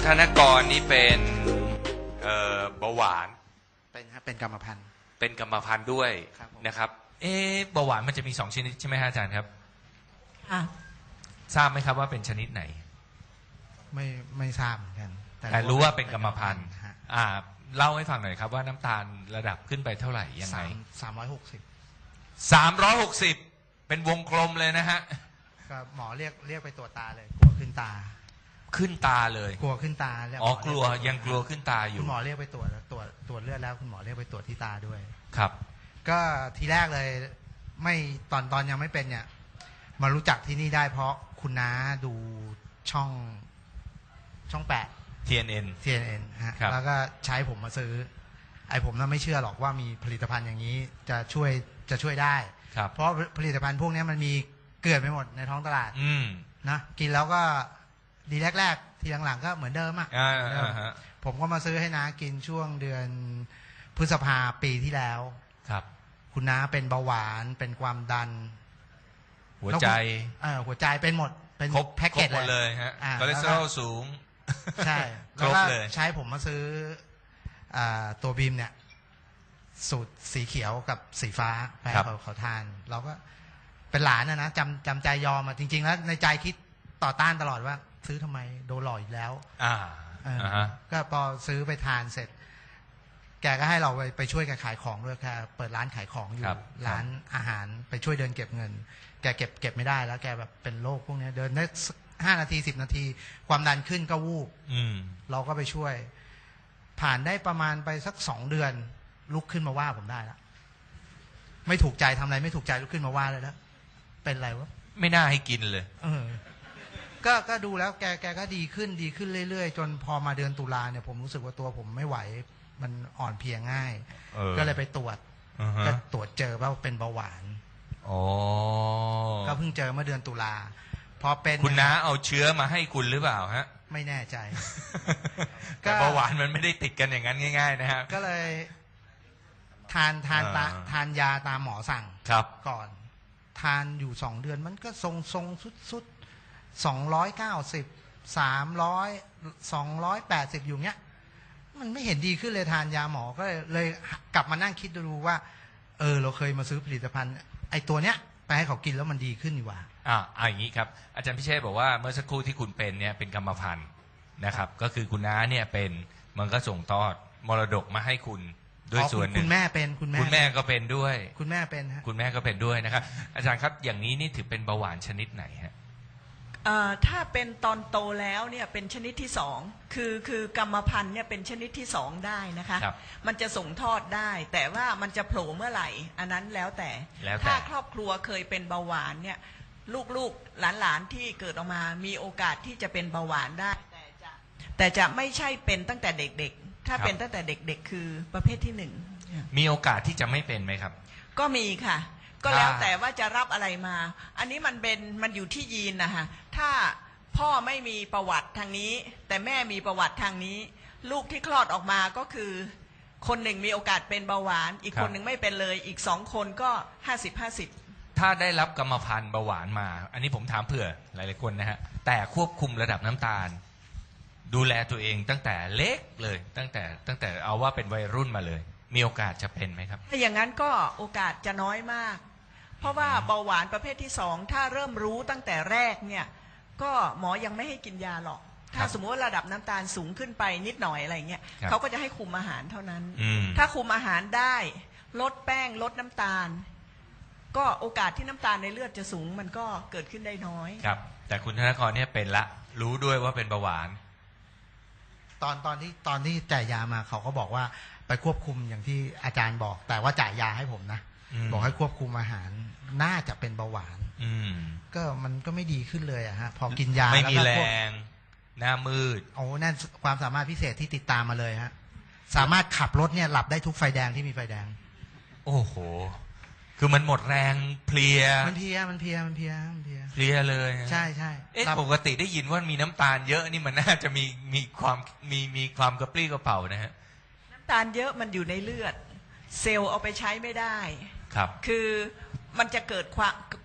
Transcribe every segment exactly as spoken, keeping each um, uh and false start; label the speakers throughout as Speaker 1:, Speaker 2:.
Speaker 1: ธนกรนี่เป็นเอ่อเบาหวาน
Speaker 2: เป็นครับเป็นกรรมพันธุ์
Speaker 1: เป็นกรรมพันธุ์ด้วยนะครับ
Speaker 3: เอ๊ะเบาหวานมันจะมีสองชนิดใช่ไหมฮะอาจารย์ครับ
Speaker 4: ค่ะ
Speaker 3: ทราบไหมครับว่าเป็นชนิดไหน
Speaker 2: ไม่ไม่ทราบเหมือนกัน
Speaker 3: แต่รู้ว่าเป็นกรรมพันธุ์อ่าเล่าให้ฟังหน่อยครับว่าน้ำตาลระดับขึ้นไปเท่าไหร่ยังไง
Speaker 2: สามร้อยหกสิบ
Speaker 3: สามร้อยหกสิบเป็นวงกลมเลยนะฮะ
Speaker 2: ก็หมอเรียกเรียกไปตรวจตาเลยกลัวขึ้นตา
Speaker 3: ขึ้นตาเลย
Speaker 2: กลัวขึ้นตา
Speaker 3: อ๋อกลัวยังกลัวขึ้นตาอยู่
Speaker 2: คุณหมอเรียกไปตรวจตรวจตรวจเลือดแล้วคุณหมอเรียกไปตรวจที่ตาด้วย
Speaker 3: ครับ
Speaker 2: ก็ทีแรกเลยไม่ตอนตอนยังไม่เป็นเนี่ยมารู้จักที่นี่ได้เพราะคุณน้าดูช่องช่องแปด
Speaker 3: ที เอ็น เอ็น
Speaker 2: ที เอ็น เอ็น ฮะแล้วก็ใช้ผมมาซื้อไอ้ผมน่ะไม่เชื่อหรอกว่ามีผลิตภัณฑ์อย่างนี้จะช่วยจะช่วยได้เพราะผลิตภัณฑ์พวกนี้มันมีเกลื่อนไปหมดในท้องตลาดนะกินแล้วก็ดีแรกๆทีหลังๆก็เหมือนเดิมอ่ะผมก็มาซื้อให้น้ากินช่วงเดือนพฤษภาปีที่แล้ว
Speaker 3: ครับ
Speaker 2: คุณน้าเป็นเบาหวานเป็นความดัน
Speaker 3: หัวใจ
Speaker 2: เออหัวใจเป็นหมดเป็น
Speaker 3: ครบ
Speaker 2: แพ็กเกจ
Speaker 3: เลยฮะคอเลสเตอรอลสูง
Speaker 2: ใช่แล้วก็ใช้ผมมาซื้อตัวบีมเนี่ยสูตรสีเขียวกับสีฟ้าไปให้เขาเขาทานเราก็เป็นหลานนะนะจำจำใจยอมมาจริงๆแล้วในใจคิดต่อต้านตลอดว่าซื้อทำไมโดนหลอกอีกแล้ว
Speaker 3: อ่า
Speaker 2: ก็พอซื้อไปทานเสร็จแกก็ให้เราไปไปช่วยกันขายของด้วยแค่เปิดร้านขายของอยู่ร้านอาหารไปช่วยเดินเก็บเงินแกเก็บเก็บไม่ได้แล้วแกแบบเป็นโรคพวกนี้เดินได้ห้านาทีสิบนาทีความดันขึ้นก็วูบเราก็ไปช่วยผ่านได้ประมาณไปสักสองเดือนลุกขึ้นมาว่าผมได้แล้วไม่ถูกใจทำอะไรไม่ถูกใจลุกขึ้นมาว่าเลยแล้วเป็นอะไรวะ
Speaker 3: ไม่น่าให้กินเลย
Speaker 2: เออก็ก็ดูแล้วแกแกก็ดีขึ้นดีขึ้นเรื่อยๆจนพอมาเดือนตุลาเนี่ยผมรู้สึกว่าตัวผมไม่ไหวมันอ่อนเพลียง่ายก็เลยไปตรวจก็ตรวจเจอว่าเป็นเบาหวานก็เพิ่งเจอเมื่อเดือนตุลาพอเป็น
Speaker 3: คุณน้าเอาเชื้อมาให้คุณหรือเปล่าฮะ
Speaker 2: ไม่แน่ใจ
Speaker 3: แต่เบาหวานมันไม่ได้ติดกันอย่างนั้นง่ายๆนะฮะ
Speaker 2: ก็เลยทานทานทานยาตามหมอสั่งก่อนทานอยู่สองเดือนมันก็ทรงทรงสุดสุดสองร้อยเก้าสิบสามร้อยสองร้อยแปดสิบอยู่เนี้ยมันไม่เห็นดีขึ้นเลยทานยาหมอก็เลยเลยกลับมานั่งคิดดูว่าเออเราเคยมาซื้อผลิตภัณฑ์ไอ้ตัวเนี้ยไปให้เขากินแล้วมันดีขึ้นดีกว่า
Speaker 3: อ่าอ่าอย่างนี้ครับอาจารย์พิเชษบอกว่าเมื่อสักครู่ที่คุณเป็นเนี่ยเป็นกรรมพันธุ์นะครับก็คือคุณน้าเนี่ยเป็นมันก็ส่งทอดมรดกมาให้คุณด้วยส่วนหนึ่ง
Speaker 2: คุณแม่เป็นคุณแม่
Speaker 3: คุณแม่ก็เป็นด้วย
Speaker 2: คุณแม่เป็นฮะ
Speaker 3: คุณแม่ก็เป็นด้วยนะครับอาจารย์ครับอย่างนี้นี่ถือเป็นเบาหวานชนิดไหนฮะ
Speaker 4: ถ้าเป็นตอนโตแล้วเนี่ยเป็นชนิดที่สองคือคือกรรมพันธุ์เนี่ยเป็นชนิดที่สองได้นะคะมันจะส่งทอดได้แต่ว่ามันจะโผล่เมื่อไหร่อันนั้นแล้วแต่ถ้าครอบครัวเคยเป็นเบาหวานเนี่ยลูกๆหลานๆที่เกิดออกมามีโอกาสที่จะเป็นเบาหวานได้แต่จะแต่จะไม่ใช่เป็นตั้งแต่เด็กๆถ้าเป็นตั้งแต่เด็กๆคือประเภทที่หนึ่ง
Speaker 3: มีโอกาสที่จะไม่เป็นไหมครับ
Speaker 4: ก็มีค่ะก็แล้วแต่ว่าจะรับอะไรมาอันนี้มันเป็นมันอยู่ที่ยีนนะคะถ้าพ่อไม่มีประวัติทางนี้แต่แม่มีประวัติทางนี้ลูกที่คลอดออกมาก็คือคนหนึ่งมีโอกาสเป็นเบาหวานอีกคนหนึ่งไม่เป็นเลยอีกสองคนก็ห้าสิบห้าสิบ
Speaker 3: ถ้าได้รับกรรมพันธุ์เบาหวานมาอันนี้ผมถามเผื่อหลายๆคนนะฮะแต่ควบคุมระดับน้ำตาลดูแลตัวเองตั้งแต่เล็กเลยตั้งแต่ตั้งแต่เอาว่าเป็นวัยรุ่นมาเลยมีโอกาสจะเป็นไหมครับ
Speaker 4: ถ้าอย่างนั้นก็โอกาสจะน้อยมากเพราะว่าเบาหวานประเภทที่สองถ้าเริ่มรู้ตั้งแต่แรกเนี่ยก็หมอยังไม่ให้กินยาหรอกถ้าสมมติว่าระดับน้ำตาลสูงขึ้นไปนิดหน่อยอะไรเงี้ยเขาก็จะให้คุมอาหารเท่านั้นถ้าคุมอาหารได้ลดแป้งลดน้ำตาลก็โอกาสที่น้ำตาลในเลือดจะสูงมันก็เกิดขึ้นได้น้อย
Speaker 3: ครับแต่คุณธนกรเนี่ยเป็นละรู้ด้วยว่าเป็นเบาหวาน
Speaker 2: ตอนตอนที่ตอนที่จ่ายยามาเขาก็บอกว่าไปควบคุมอย่างที่อาจารย์บอกแต่ว่าจ่ายยาให้ผมนะบอกให้ควบคุมอาหารน่าจะเป็นเบาหวานก็มันก็ไม่ดีขึ้นเลยอะฮะพอกินยา
Speaker 3: ไม่มีแรงหน้ามืด
Speaker 2: โอ้นั่นความสามารถพิเศษที่ติดตามมาเลยฮะสามารถขับรถเนี่ยหลับได้ทุกไฟแดงที่มีไฟแดง
Speaker 3: โอ้โหคือมันหมดแรงเพลีย
Speaker 2: มันเพลียมันเพลียมันเพลียมันเพลีย
Speaker 3: เพลียเลย
Speaker 2: ใช่ใช่
Speaker 3: เอ๊ะปกติได้ยินว่ามีน้ำตาลเยอะนี่มันน่าจะมีมีความมีมีความกระปรี้กระเป๋านะฮะ
Speaker 4: น้ำตาลเยอะมันอยู่ในเลือดเซลล์เอาไปใช้ไม่ได้
Speaker 3: ครับ
Speaker 4: คือมันจะเกิดความ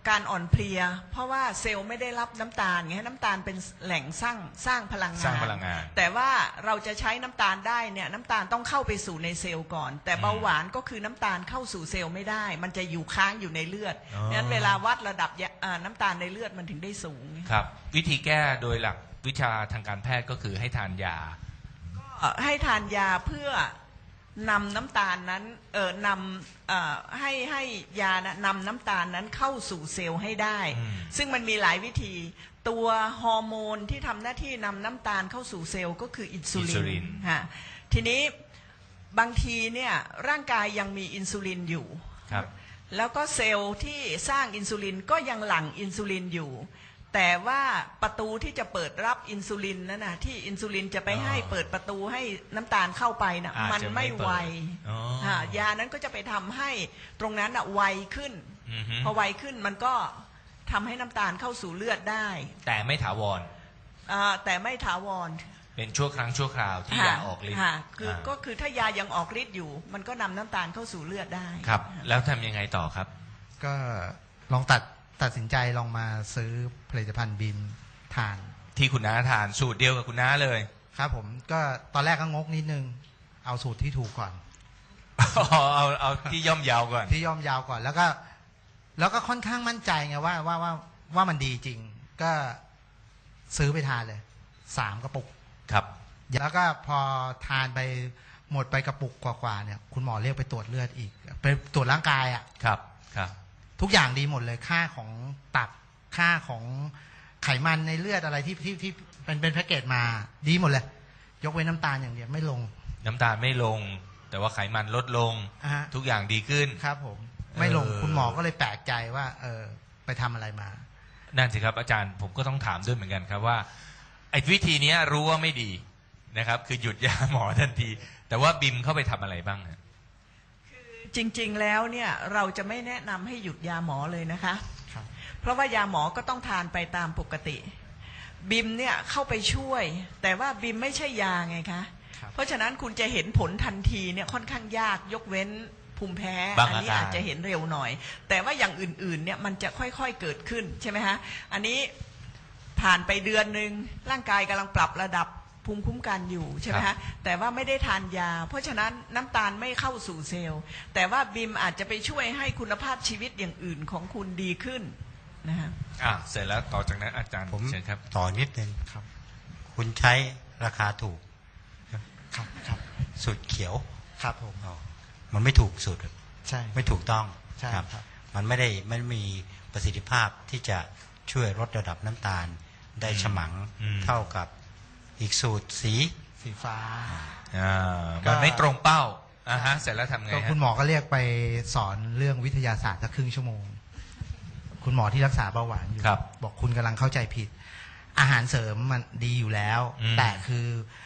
Speaker 4: การอ่อนเพลียเพราะว่าเซลล์ไม่ได้รับน้ำตาลไงน้ำตาลเป็นแหล่งสร้างสร้างพลังงาน
Speaker 3: สร้างพลังงาน
Speaker 4: แต่ว่าเราจะใช้น้ำตาลได้เนี่ยน้ำตาลต้องเข้าไปสู่ในเซลล์ก่อนแต่เบาหวานก็คือน้ำตาลเข้าสู่เซลล์ไม่ได้มันจะอยู่ค้างอยู่ในเลือดงั้นเวลาวัดระดับน้ำตาลในเลือดมันถึงได้สูง
Speaker 3: ครับวิธีแก้โดยหลักวิชาทางการแพทย์ก็คือให้ทานยา
Speaker 4: ก็ให้ทานยาเพื่อนำน้ำตาลนั้นเออนำเอ่อให้ให้ยานะนำน้ำตาลนั้นเข้าสู่เซลล์ให้ได้ซึ่งมันมีหลายวิธีตัวฮอร์โมนที่ทำหน้าที่นำน้ำตาลเข้าสู่เซลล์ก็คืออินซูลินฮะทีนี้บางทีเนี่ยร่างกายยังมีอินซูลินอยู่แล้วก็เซลล์ที่สร้างอินซูลินก็ยังหลั่งอินซูลินอยู่แต่ว่าประตูที่จะเปิดรับอินซูลินนั่นนะที่อินซูลินจะไปให้เปิดประตูให้น้ำตาลเข้าไปนะมันไม่ไวยานั้นก็จะไปทำให้ตรงนั้นอะไวขึ้นพอไวขึ้นมันก็ทำให้น้ำตาลเข้าสู่เลือดได้
Speaker 3: แต่ไม่ถาวร
Speaker 4: แต่ไม่ถาวร
Speaker 3: เป็นชั่วครั้งชั่วคราวที่ยาออกฤทธิ์
Speaker 4: คือก็คือถ้ายายังออกฤทธิ์อยู่มันก็นำน้ำตาลเข้าสู่เลือดได้
Speaker 3: ครับแล้วทำยังไงต่อครับ
Speaker 2: ก็ลองตัดตัดสินใจลองมาซื้อผลิตภัณฑ์บิมทาน
Speaker 3: ที่คุณน้าทานสูตรเดียวกับคุณน้าเลย
Speaker 2: ครับผมก็ตอนแรกก็งกนิดนึงเอาสูตรที่ถูกก่อน
Speaker 3: เอาเอาที่ย่อมยาวก่อน
Speaker 2: ที่ย่อมยาวก่อนแล้วก็แล้วก็ค่อนข้างมั่นใจไงว่าว่าว่าว่ามันดีจริงก็ซื้อไปทานเลยสามกระปุก
Speaker 3: ครับ
Speaker 2: แล้วก็พอทานไปหมดไปกระปุกกว่าๆเนี่ยคุณหมอเรียกไปตรวจเลือดอีกไปตรวจร่างกายอ่ะ
Speaker 3: ครับครับ
Speaker 2: ทุกอย่างดีหมดเลยค่าของตับค่าของไขมันในเลือดอะไรที่ที่ที่เป็นเป็นแพ็กเกจมาดีหมดเลยยกเว้นน้ำตาลอย่างเดียวไม่ลง
Speaker 3: น้ำตาลไม่ลงแต่ว่าไขมันลดลงทุกอย่างดีขึ้น
Speaker 2: ครับผมไม่ลงคุณหมอก็เลยแปลกใจว่าเออไปทำอะไรมา
Speaker 3: นั่นสิครับอาจารย์ผมก็ต้องถามด้วยเหมือนกันครับว่าไอ้วิธีนี้รู้ว่าไม่ดีนะครับคือหยุดยาหมอทันทีแต่ว่าบิมเข้าไปทำอะไรบ้าง
Speaker 4: คือจริงๆแล้วเนี่ยเราจะไม่แนะนำให้หยุดยาหมอเลยนะคะเพราะว่ายาหมอก็ต้องทานไปตามปกติบิมเนี่ยเข้าไปช่วยแต่ว่าบิมไม่ใช่ยาไงคะเพราะฉะนั้นคุณจะเห็นผลทันทีเนี่ยค่อนข้างยากยกเว้นภูมิแพ้อันนี้อาจจะเห็นเร็วหน่อยแต่ว่าอย่างอื่นๆเนี่ยมันจะค่อยๆเกิดขึ้นใช่ไหมฮะอันนี้ผ่านไปเดือนหนึ่งร่างกายกำลังปรับระดับภูมิคุ้มกันอยู่ใช่ไหมฮะแต่ว่าไม่ได้ทานยาเพราะฉะนั้นน้ำตาลไม่เข้าสู่เซลล์แต่ว่าบิมอาจจะไปช่วยให้คุณภาพชีวิตอย่างอื่นของคุณดีขึ้นนะฮะ
Speaker 3: อ่ะเสร็จแล้วต่อจากนั้นอาจารย์
Speaker 5: ผม
Speaker 3: เชิญครับ
Speaker 5: ต่อนิดนึงครับคุณใช้ราคาถูก
Speaker 2: ครับครับ
Speaker 5: สูตรเขียว
Speaker 2: ครับผม
Speaker 5: มันไม่ถูกสูตร
Speaker 2: ใช่
Speaker 5: ไม่ถูกต้อง
Speaker 2: ใช่ครับ
Speaker 5: มันไม่ได้ไม่มีประสิทธิภาพที่จะช่วยลดระดับน้ำตาลได้ฉมังเท่ากับอีกสูตรสี
Speaker 2: สีฟ้า
Speaker 3: อ่ามันไม่ตรงเป้าอ่าฮะเสร็จแล้วทำไง
Speaker 2: ก็คุณหมอก็เรียกไปสอนเรื่องวิทยาศาสตร์สักครึ่งชั่วโมงคุณหมอที่รักษาเบาหวานอยู่บอกคุณกำลังเข้าใจผิดอาหารเสริมมันดีอยู่แล้วแต่คือ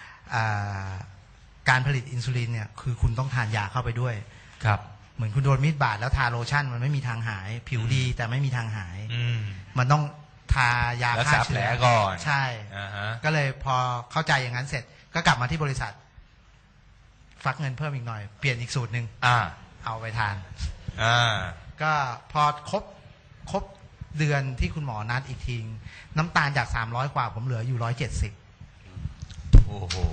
Speaker 2: การผลิตอินซูลินเนี่ยคือคุณต้องทานยาเข้าไปด้วย
Speaker 3: ครับ
Speaker 2: เหมือนคุณโดนมีดบาดแล้วทาโลชั่นมันไม่มีทางหายผิวดีแต่ไม่มีทางหายมันต้องทายาฆ่าเชื้อ
Speaker 3: ก่อน
Speaker 2: ใช่ก็เลยพอเข้าใจอย่างนั้นเสร็จก็กลับมาที่บริษัทฟักเงินเพิ่มอีกหน่อยเปลี่ยนอีกสูตรหนึ่งเอาไปทานก็พอครบครบเดือนที่คุณหมอนัดอีกทีน้ำตาลจากสามร้อยกว่าผมเหลืออยู่ร้อยเจ็ดสิบ
Speaker 3: โอ้โห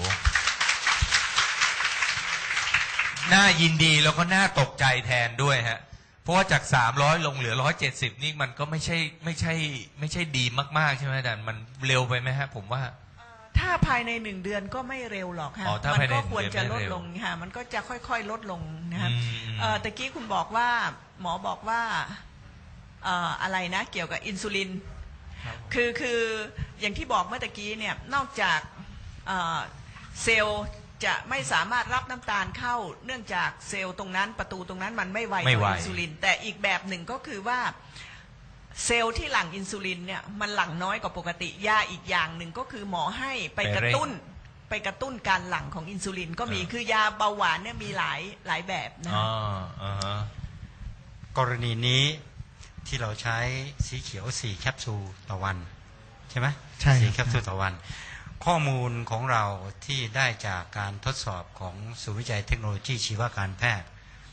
Speaker 3: น่ายินดีแล้วก็น่าตกใจแทนด้วยฮะเพราะว่าจากสามร้อยลงเหลือร้อยเจ็ดสิบนี่มันก็ไม่ใช่ไม่ใช่ไม่ใช่ดีมากๆใช่ไหมอาจารย์มันเร็วไปไหมฮะผมว่า
Speaker 4: ถ้าภายในหนึ่งเดือนก็ไม่เร็วหรอกค่ะมันก็ควรจะลดลงค่ะมันก็จะค่อยๆลดลงนะครับตะกี้คุณบอกว่าหมอบอกว่าอะไรนะเกี่ยวกับอินซูลินคือคืออย่างที่บอกเมื่อตะกี้เนี่ยนอกจากเซลล์จะไม่สามารถรับน้ำตาลเข้าเนื่องจากเซลล์ตรงนั้นประตูตรงนั้นมันไม่ไวต่ออินซูลินแต่อีกแบบหนึ่งก็คือว่าเซลล์ที่หลั่งอินซูลินเนี่ยมันหลั่งน้อยกว่าปกติยาอีกอย่างหนึ่งก็คือหมอให้ไปกระตุ้นไปกระตุ้นการหลั่งของอินซูลินก็มีคือยาเบาหวานเนี่ยมีหลายหลายแบบนะ
Speaker 5: กรณีนี้ที่เราใช้สีเขียวสี่แคปซูลต่อวันใช่ไหม
Speaker 2: ใช่
Speaker 5: สี่แคปซูลต่อวันข้อมูลของเราที่ได้จากการทดสอบของศูนย์วิจัยเทคโนโลยีชีวการแพทย์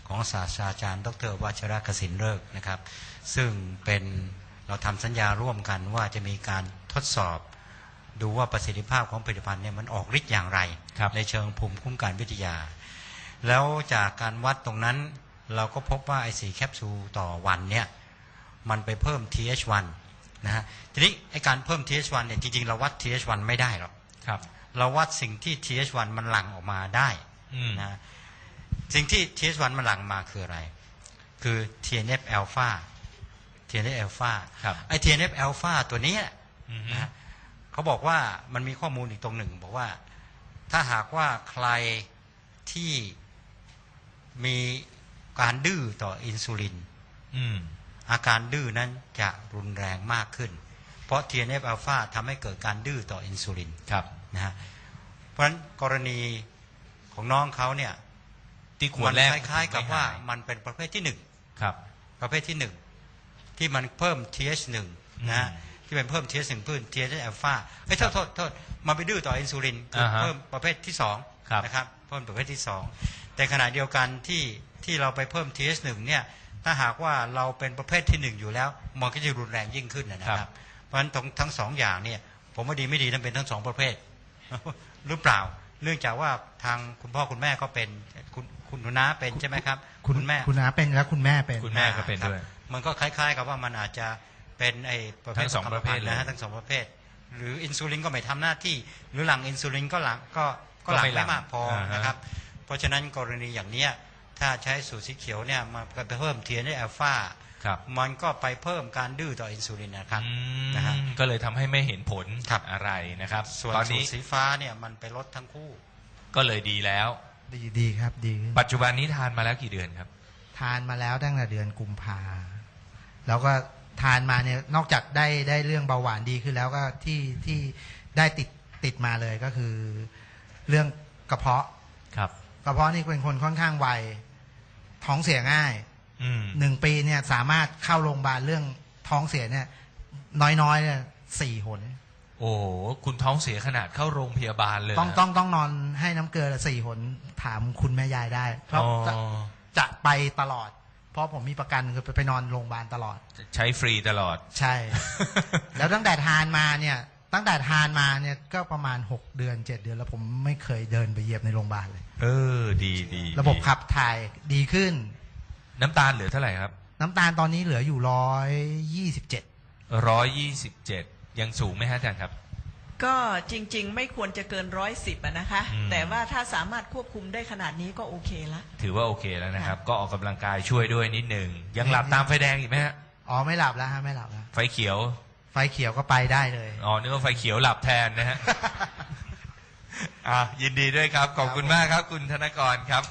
Speaker 5: ของศาสตราจารย์ดร.วัชรกสินฤกษ์นะครับซึ่งเป็นเราทำสัญญาร่วมกันว่าจะมีการทดสอบดูว่าประสิทธิภาพของผลิตภัณฑ์เนี่ยมันออกฤทธิ์อย่างไรในเชิงภูมิคุ้มกันวิทยาแล้วจากการวัดตรงนั้นเราก็พบว่าไอสี่แคปซูลต่อวันเนี่ยมันไปเพิ่ม ที เอช วัน นะฮะทีนี้ไอการเพิ่ม ที เอช วัน เนี่ยจริงๆเราวัด ที เอช วัน ไม่ได้หรอกครับเราวัดสิ่งที่ ที เอช วัน มันหลั่งออกมาได้นะสิ่งที่ ที เอช วัน มันหลั่งมาคืออะไรคือ ที เอ็น เอฟ อลฟา ที เอ็น เอฟ อลฟาไอ ที เอ็น เอฟ อลฟาตัวนี้นะเขาบอกว่ามันมีข้อมูลอีกตรงหนึ่งบอกว่าถ้าหากว่าใครที่มีการดื้อต่ออินซูลินอาการดื้อนั้นจะรุนแรงมากขึ้นเพราะ ที เอ็น เอฟ อลฟา ทำให้เกิดการดื้อต่ออินซูลินนะฮะเพราะฉะนั้นกรณีของน้องเขาเนี่ย
Speaker 3: ที่ขวดแรก
Speaker 5: คล้ายๆกับว่ามันเป็นประเภทที่หนึ่งประเภทที่หนึ่งที่มันเพิ่ม ที เอช วัน นะฮะที่เป็นเพิ่ม ที เอช วัน เพิ่ม ที เอช อลฟาเฮ้ยโทษโทษโทษมันไปดื้อต่ออินซูลินคือเพิ่มประเภทที่สองนะครับเพิ่มประเภทที่สองแต่ขณะเดียวกันที่ที่เราไปเพิ่ม ที เอช วัน เนี่ยถ้าหากว่าเราเป็นประเภทที่หนึ่งอยู่แล้วมันก็จะรุนแรงยิ่งขึ้นนะครับเพราะฉะนั้นทั้งสองอย่างเนี่ยผมว่าดีไม่ดีนั้นเป็นทั้งสองประเภทหรือเปล่าเนื่องจากว่าทางคุณพ่อคุณแม่ก็เป็นคุณคุณน้าเป็นใช่ไหมครับ
Speaker 2: คุณแม่คุณน้าเป็นแล้วคุณแม่เป็น
Speaker 3: คุณแม่ก็เป็นด้วย
Speaker 5: มันก็คล้ายๆกับว่ามันอาจจะเป็นไอ้ประเภท
Speaker 3: สองประเภท
Speaker 5: นะฮะทั้งสองประเภทหรืออินซูลินก็ไม่ทำหน้าที่หรือหลังอินซูลินก็หลังก็ก็หลังไม่มากพอนะครับเพราะฉะนั้นกรณีอย่างนี้ถ้าใช้สูตรสีเขียวเนี่ยมันไปเพิ่ม ที เอ็น เอฟ อลฟามันก็ไปเพิ่มการดื้อต่ออินซูลินนะครับ
Speaker 3: นะฮะก็เลยทำให้ไม่เห็นผลอะไรนะครับ
Speaker 5: ส่วนสูตรสีฟ้าเนี่ยมันไปลดทั้งคู่
Speaker 3: ก็เลยดีแล้ว
Speaker 2: ดีดีครับดี
Speaker 3: ปัจจุบันนี้ทานมาแล้วกี่เดือนครับ
Speaker 2: ทานมาแล้วตั้งแต่เดือนกุมภาแล้วก็ทานมาเนี่ยนอกจากได้ได้เรื่องเบาหวานดีขึ้นแล้วก็ที่ที่ได้ติดติดมาเลยก็คือเรื่องกระเพาะ
Speaker 3: ครับ
Speaker 2: กระเพาะนี่เป็นคนค่อนข้างไวท้องเสียง่ายหนึ่งปีเนี่ยสามารถเข้าโรงพยาบาลเรื่องท้องเสียเนี่ยน้อยๆเนี่ยสี่หน
Speaker 3: โอ้คุณท้องเสียขนาดเข้าโรงพยาบาลเลย
Speaker 2: ต้องต้องต้องนอนให้น้ำเกลือสี่หนถามคุณแม่ยายได้เพราะจะจะไปตลอดเพราะผมมีประกันคือไปนอนโรงพยาบาลตลอด
Speaker 3: ใช้ฟรีตลอด
Speaker 2: ใช่ แล้วตั้งแต่ทานมาเนี่ยตั้งแต่ทานมาเนี่ยก็ประมาณหกเดือนเจ็ดเดือนแล้วผมไม่เคยเดินไปเหยียบในโรงพยาบาลเลย
Speaker 3: เออดีดี
Speaker 2: ระบบขับถ่ายดีขึ้น
Speaker 3: น้ำตาลเหลือเท่าไหร่ครับ
Speaker 2: น้ำตาลตอนนี้เหลืออยู่ร้อยยี่สิบเจ็ด
Speaker 3: ร้อยยี่สิบเจ็ดยังสูงไหมฮะอาจารย์ครับ
Speaker 4: ก็จริงๆไม่ควรจะเกินร้อยสิบนะคะแต่ว่าถ้าสามารถควบคุมได้ขนาดนี้ก็โอเคแล้ว
Speaker 3: ถือว่าโอเคแล้วนะครับก็ออกกำลังกายช่วยด้วยนิดหนึ่งยังหลับตามไฟแดงอีกไหมฮะ
Speaker 2: อ๋อไม่หลับแล้วฮะไม่หลับแล้ว
Speaker 3: ไฟเขียว
Speaker 2: ไฟเขียวก็ไปได้เลย
Speaker 3: อ๋อนึกว่าไฟเขียวหลับแทนนะฮะอ่ายินดีด้วยครับขอบคุณมากครับคุณธนกรครับ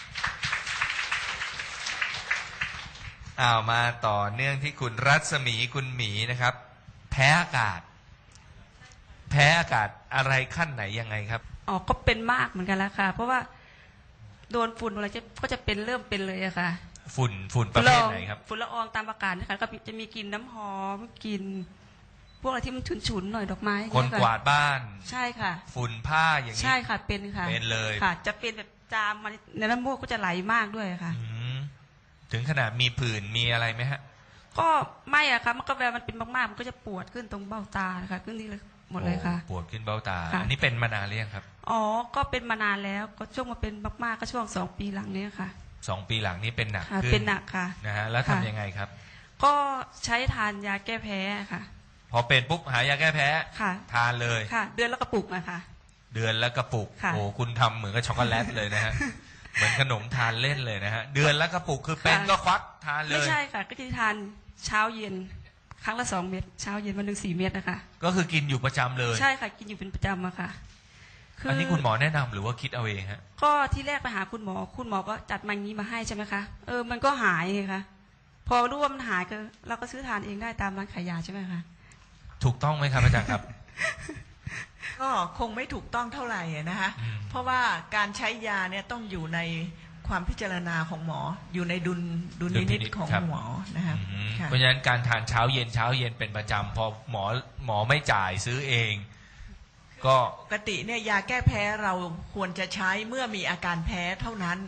Speaker 3: อ้าวมาต่อเนื่องที่คุณรัศมีคุณหมีนะครับแพ้อากาศแพ้อากาศอะไรขั้นไหนยังไงครับ
Speaker 6: อ๋อก็เป็นมากเหมือนกันแล้วค่ะเพราะว่าโดนฝุ่นอะไรจะก็จะเป็นเริ่มเป็นเลยอะค่ะ
Speaker 3: ฝุ่นฝุ่นประเภทไหนครับ
Speaker 6: ฝุ่นละอองตามอากาศนะคะก็จะมีกลิ่นน้ำหอมกลิ่นพวกอะไรที่มันฉุนๆหน่อยดอกไม้
Speaker 3: คนกวาดบ้าน
Speaker 6: ใช่ค่ะ
Speaker 3: ฝุ่นผ้าอย่างนี้
Speaker 6: ใช่ค่ะเป็นค่ะ
Speaker 3: เป็นเลย
Speaker 6: ค่ะจะเป็นแบบจามมาในน้ำมูกก็จะไหลมากด้วยค่ะ
Speaker 3: ถึงขนาดมีผื่นมีอะไรไหมฮะ
Speaker 6: ก็ไม่อะค่ะมันก็เวลามันเป็นมากๆมันก็จะปวดขึ้นตรงเบ้าตาค่ะขึ้นนี่เลยหมดเลยค่ะ
Speaker 3: ปวดขึ้นเบ้าตาอันนี้เป็นมานานหรือยังครับ
Speaker 6: อ๋อก็เป็นมานานแล้วก็ช่วงมาเป็นมากๆก็ช่วงสองปีหลังนี้ค่ะ
Speaker 3: สองปีหลังนี้เป็นหนักขึ้น
Speaker 6: เป็นหนักค่ะ
Speaker 3: นะฮะแล้วทำยังไงครับ
Speaker 6: ก็ใช้ทานยาแก้แพ้ค่ะ
Speaker 3: พอเป็นปุ๊บหายาแก้แพ้
Speaker 6: ค่ะ
Speaker 3: ทานเลย
Speaker 6: ค่ะเดือนละกระปุกนะคะ
Speaker 3: เดือนละกระปุกโอ้คุณทำเหมือนกับช็อกโกแลตเลยนะฮะเหมือนขนมทานเล่นเลยนะฮะเดือนละกระปุกคือเป็นก็ควักทานเลย
Speaker 6: ไม่ใช่ค่ะก็จะทานเช้าเย็นครั้งละสองเม็ดเช้าเย็นวันหนึ่งสี่เม็ดนะคะ
Speaker 3: ก็คือกินอยู่ประจำเลย
Speaker 6: ใช่ค่ะกินอยู่เป็นประจำอะค่ะ
Speaker 3: อันนี้คุณหมอแนะนำหรือว่าคิดเอาเองฮะ
Speaker 6: ก็ที่แรกไปหาคุณหมอคุณหมอก็จัดมางี้มาให้ใช่ไหมคะเออมันก็หายไงคะพอรู้ว่ามันหายก็เราก็ซื้อทานเองได้ตามร้านขายยาใช่ไหมคะ
Speaker 3: ถูกต้องไหมครับอาจารย์ครับ
Speaker 4: ก็คงไม่ถูกต้องเท่าไหร่นะคะเพราะว่าการใช้ยาเนี่ยต้องอยู่ในความพิจารณาของหมออยู่ในดุลดุลพินิจของหมอนะคะ
Speaker 3: เพราะฉะนั้นการทานเช้าเย็นเช้าเย็นเป็นประจำพอหมอหมอไม่จ่ายซื้อเองก็
Speaker 4: ปกติเนี่ยยาแก้แพ้เราควรจะใช้เมื่อมีอาการแพ้เท่านั้น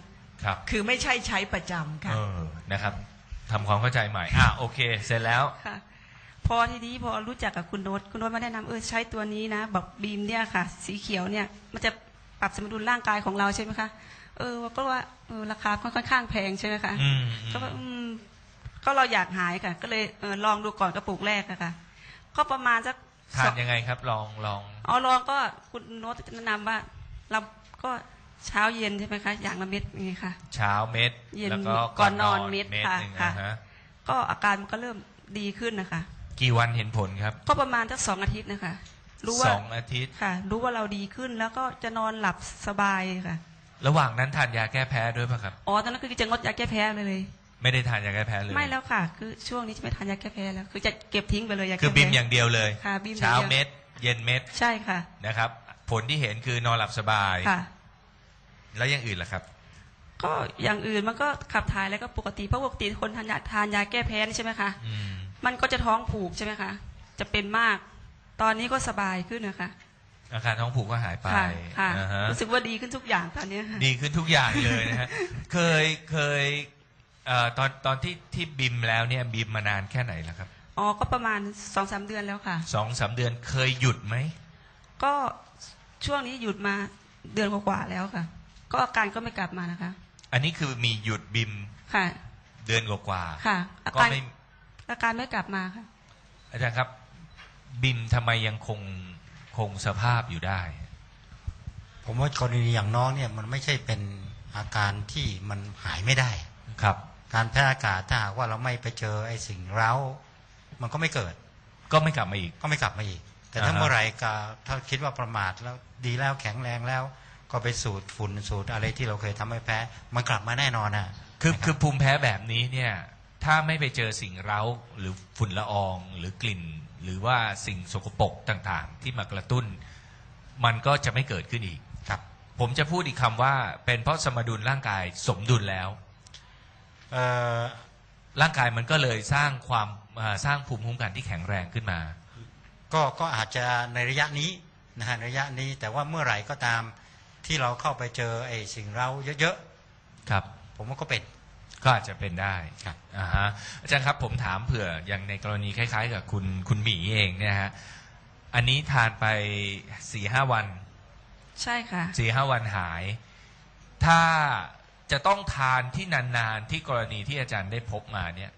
Speaker 3: ครับ
Speaker 4: คือไม่ใช่ใช้ประจำค่ะ
Speaker 3: เออนะครับทำความเข้าใจใหม่อ่ะโอเคเสร็จแล้ว
Speaker 6: ค่ะ พอทีนี้พอรู้จักกับคุณโน้ตคุณโน้ตมาแนะนำเออใช้ตัวนี้นะแบบบีมเนี่ยค่ะ สีเขียวเนี่ยมันจะปรับสมดุลร่างกายของเราใช่ไหมคะเออก็ว่าเออราคาค่อนข้างแพงใช่ไหมคะ
Speaker 3: อืม
Speaker 6: ก็ว่าอืมก็เราอยากหายค่ะ ก็เลยเออลองดูก่อนกระปุกแรกอะค่ะก็ประมาณสัก
Speaker 3: ทานยังไงครับลองลอง
Speaker 6: อ๋อลองก็คุณโน้ตแนะนำว่าเราก็เช้าเย็นใช่ไหมคะอย่างละเม็ดอย่างนี้ค่ะ
Speaker 3: เช้าเม็ด
Speaker 6: เย็น
Speaker 3: แล้วก็
Speaker 6: ก่อนนอนเม็ด
Speaker 3: เม็ด
Speaker 6: ค่ะ
Speaker 3: หนึ่ง
Speaker 6: ค่ะ
Speaker 3: นะฮะ
Speaker 6: ก็อาการมันก็เริ่มดีขึ้นนะคะ
Speaker 3: กี่วันเห็นผลครับ
Speaker 6: ก็ประมาณสักสองอาทิตย์นะคะรู้ว่า
Speaker 3: สองอาทิตย์
Speaker 6: ค่ะ รู้ว่าเราดีขึ้นแล้วก็จะนอนหลับสบายค่ะ
Speaker 3: ระหว่างนั้นทานยาแก้แพ้ด้วยป่ะครับ
Speaker 6: อ๋อตอนนั้นคือจะงดยาแก้แพ้เลย
Speaker 3: ไม่ได้ทานยาแก้แพ้เลย
Speaker 6: ไม่แล้วค่ะ คือช่วงนี้จะไม่ทานยาแก้แพ้แล้ว คือจะเก็บทิ้งไปเลยยาแก้
Speaker 3: คือ
Speaker 6: แพ้
Speaker 3: บิมอย่างเดียวเลย
Speaker 6: ค่ะบีมอย่างเดียว
Speaker 3: เช้าเม็ด เย็นเม็ด
Speaker 6: ใช่ค่ะ
Speaker 3: นะครับ ผลที่เห็นคือนอนหลับสบาย
Speaker 6: ค่ะ
Speaker 3: แล้วอย่างอื่นล่ะครับ
Speaker 6: ก็อย่างอื่นมันก็ขับถ่ายแล้วก็ปกติเพราะปกติคนทานยาทานยาแก้แพ้นี่ใช่ไหมคะ
Speaker 3: อืม
Speaker 6: มันก็จะท้องผูกใช่ไหมคะ จะเป็นมาก ตอนนี้ก็สบายขึ้นนะคะ
Speaker 3: อาการท้องผูกก็หายไป
Speaker 6: ค่ะค่ะ
Speaker 3: อ่าฮะ
Speaker 6: รู้สึกว่าดีขึ้นทุกอย่างตอนนี้ค่ะ
Speaker 3: ดีขึ้นทุกอย่างเลยนะฮะ เคยเคยเอ่อตอนตอนที่ที่บิมแล้วเนี่ยบิมมานานแค่ไหนแล้วครับ
Speaker 6: อ๋อ ก็ประมาณสองสามเดือนแล้วค่ะ
Speaker 3: สองสามเดือนเคยหยุดไหม
Speaker 6: ก็ช่วงนี้หยุดมาเดือนกว่าๆแล้วค่ะ ก็อาการก็ไม่กลับมานะคะ
Speaker 3: อันนี้คือมีหยุดบิม
Speaker 6: ค่ะ
Speaker 3: เดือนกว่าๆ
Speaker 6: ค่ะ อา
Speaker 3: ก็
Speaker 6: การ
Speaker 3: ไม่
Speaker 6: อาการไม่กลับมาค่ะ
Speaker 3: อาจารย์ครับ บิมทำไมยังคงคงสภาพอยู่ได้
Speaker 5: ผมว่ากรณีอย่างน้องเนี่ยมันไม่ใช่เป็นอาการที่มันหายไม่ได้
Speaker 3: ครับ
Speaker 5: การแพ้อากาศถ้าหากว่าเราไม่ไปเจอไอ้สิ่งเร้ามันก็ไม่เกิด
Speaker 3: ก็ไม่กลับมาอีก
Speaker 5: ก็ไม่กลับมาอีก แต่ถ้า
Speaker 3: อ่าฮะ
Speaker 5: เมื่อไหร่ก็ถ้าคิดว่าประมาทแล้วดีแล้วแข็งแรงแล้ว ก็ไปสูดฝุ่นสูดอะไรที่เราเคยทำให้แพ้มันกลับมาแน่นอนนะ
Speaker 3: คือ
Speaker 5: นะรับ
Speaker 3: คือภูมิแพ้แบบนี้เนี่ย ถ้าไม่ไปเจอสิ่งเร้าหรือฝุ่นละอองหรือกลิ่น หรือว่าสิ่งสกปรกต่างๆ ที่มากระตุ้น มันก็จะไม่เกิดขึ้นอีก
Speaker 5: ครับ
Speaker 3: ผมจะพูดอีกคำว่าเป็นเพราะสมดุลร่างกายสมดุลแล้ว
Speaker 5: เอ่อ
Speaker 3: ร่างกายมันก็เลยสร้างความอ่าสร้างภูมิคุ้มกันที่แข็งแรงขึ้นมา
Speaker 5: ก็ก็อาจจะในระยะนี้นะฮะระยะนี้แต่ว่าเมื่อไหร่ก็ตามที่เราเข้าไปเจอไอ้สิ่งเร้าเยอะ
Speaker 3: ครับ
Speaker 5: ๆผมว่าก็เป็น
Speaker 3: ก็อาจจะเป็นได้
Speaker 5: ครับ
Speaker 3: อ่าฮะอาจารย์ครับผมถามเผื่ออย่างในกรณีคล้ายๆ กับคุณคุณหมีเองเนี่ยฮะอันนี้ทานไปสี่ห้าวัน
Speaker 6: ใช่ค่ะ
Speaker 3: สี่ห้าวันหาย ถ้าจะต้องทานที่นานๆที่กรณีที่อาจารย์ได้พบมาเนี่ย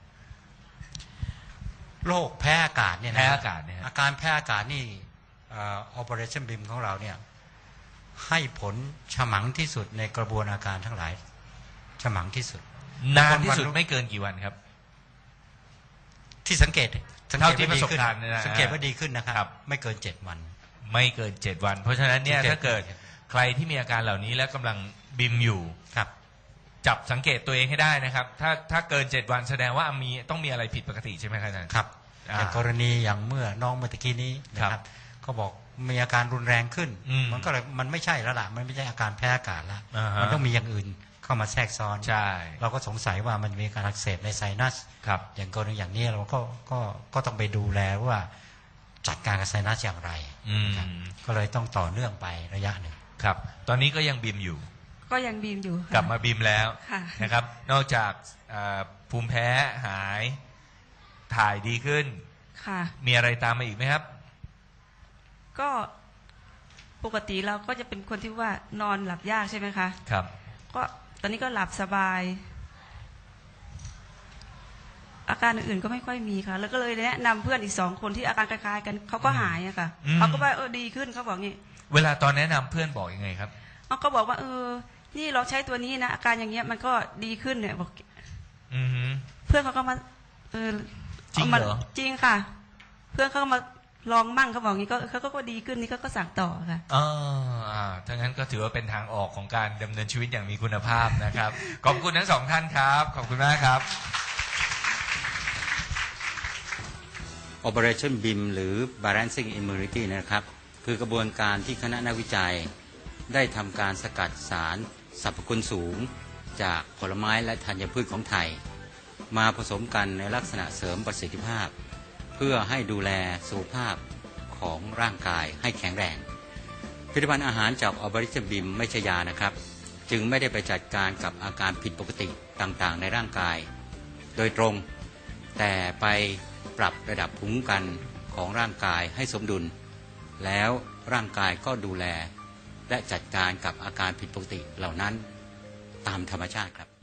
Speaker 5: โรคแพ้อากาศเนี่ยนะ
Speaker 3: แพ้อากาศเนี่ยฮะ
Speaker 5: อาการแพ้อากาศนี่เอ่อ Operationบี ไอ เอ็ม ของเราเนี่ยให้ผลฉมังที่สุดในกระบวนอาการทั้งหลายฉมังที่สุด
Speaker 3: นานที่สุดไม่เกินกี่วันครับ
Speaker 5: ที่สังเกตสังเก
Speaker 3: เท่า
Speaker 5: ต
Speaker 3: ที่
Speaker 5: ว่าดี
Speaker 3: ประสบ
Speaker 5: ขึ้น
Speaker 3: การณ์เนี่ยนะ
Speaker 5: สังเกตว่าดีขึ้นนะค
Speaker 3: ครั
Speaker 5: รับ บ ไม่เกินเจ็ดวัน
Speaker 3: ไม่เกินเจ็ดวัน เพราะฉะนั้นเนี่ย
Speaker 5: สังเกต
Speaker 3: ถ้าเกิดใครที่มีอาการเหล่านี้และกำลังบิมอยู่
Speaker 5: ครับ
Speaker 3: จับสังเกตตัวเองให้ได้นะครับ ถ้าถ้าเกินเจ็ดวันแสดงว่ามีต้องมีอะไรผิดปกติใช่ไหมครับอาจารย์
Speaker 5: ครับ
Speaker 3: อ่า
Speaker 5: อย่างกรณีอย่างเมื่อน้องเมื่อตะกี้นี้นะค
Speaker 3: ครั
Speaker 5: รับบ ก็บอกมีอาการรุนแรงขึ้น
Speaker 3: อืม
Speaker 5: มันก็เลยมันไม่ใช่แล้วล่ะมันไม่ใช่อาการแพ้อากาศแล้ว
Speaker 3: อ่าฮะ
Speaker 5: มันต้องมีอย่างอื่นเข้ามาแทรกซ้อน
Speaker 3: ใช่
Speaker 5: เราก็สงสัยว่ามันมีการอักเสบในไซนัส
Speaker 3: ครับ
Speaker 5: อย่างกรณีอย่างนี้เราก็ก็ก็ต้องไปดูแลว่าจัดการกับไซนัสอย่างไร
Speaker 3: อืม
Speaker 5: นะครับก็เลยต้องต่อเนื่องไประยะหนึ่ง
Speaker 3: ครับ ตอนนี้ก็ยังบิมอยู่
Speaker 6: ก็ยังบีมอยู่ค่ะ
Speaker 3: กลับมาบิมแล้ว
Speaker 6: ค่ะ
Speaker 3: นะครับ นอกจากอ่าภูมิแพ้หายถ่ายดีขึ้น
Speaker 6: ค่ะ
Speaker 3: มีอะไรตามมาอีกไหมครับ
Speaker 6: ก็ปกติเราก็จะเป็นคนที่ว่านอนหลับยากใช่ไหมคะ
Speaker 3: ครับ
Speaker 6: ก็ตอนนี้ก็หลับสบาย อาการอื่นๆก็ไม่ค่อยมีค่ะ แล้วก็เลยแนะนำเพื่อนอีกสองคนที่อาการคล้ายๆกันเขาก็หายอะค่ะ
Speaker 3: อืม
Speaker 6: เขาก็ว่าเออดีขึ้นเขาบอกงี้
Speaker 3: เวลาตอนแนะนำเพื่อนบอกยังไงครับ
Speaker 6: เขาก็บอกว่า เออ นี่เราใช้ตัวนี้นะอาการอย่างเงี้ยมันก็ดีขึ้นเนี่ยบอก
Speaker 3: อือฮึ
Speaker 6: เพื่อนเขาก็มาเออ
Speaker 3: จริง
Speaker 6: ามา
Speaker 3: เหรอ
Speaker 6: จริงค่ะ เพื่อนเขาก็มาลองมั่งเขาบอกงี้ก็เขาก็ดีขึ้นนี่เขาก็สั่งต่อค่ะ
Speaker 3: อ่าอ่าถ้างั้นก็ถือว่าเป็นทางออกของการดำเนินชีวิตอย่างมีคุณภาพนะครับ ขอบคุณทั้งสองท่านครับ ขอบคุณมากครับ
Speaker 5: Operation บี ไอ เอ็ม หรือ Balancing Immunity นะครับคือกระบวนการที่คณะนักวิจัยได้ทำการสกัดสารสรรพคุณสูง จากผลไม้และธัญพืชของไทย มาผสมกันในลักษณะเสริมประสิทธิภาพ เพื่อให้ดูแลสุขภาพของร่างกายให้แข็งแรงผลิตภัณฑ์อาหารจาก Operation บี ไอ เอ็ม ไม่ใช่ยานะครับจึงไม่ได้ไปจัดการกับอาการผิดปกติต่างๆในร่างกายโดยตรงแต่ไปปรับระดับภูมิคุ้มกันของร่างกายให้สมดุลแล้วร่างกายก็ดูแลและจัดการกับอาการผิดปกติเหล่านั้นตามธรรมชาติครับ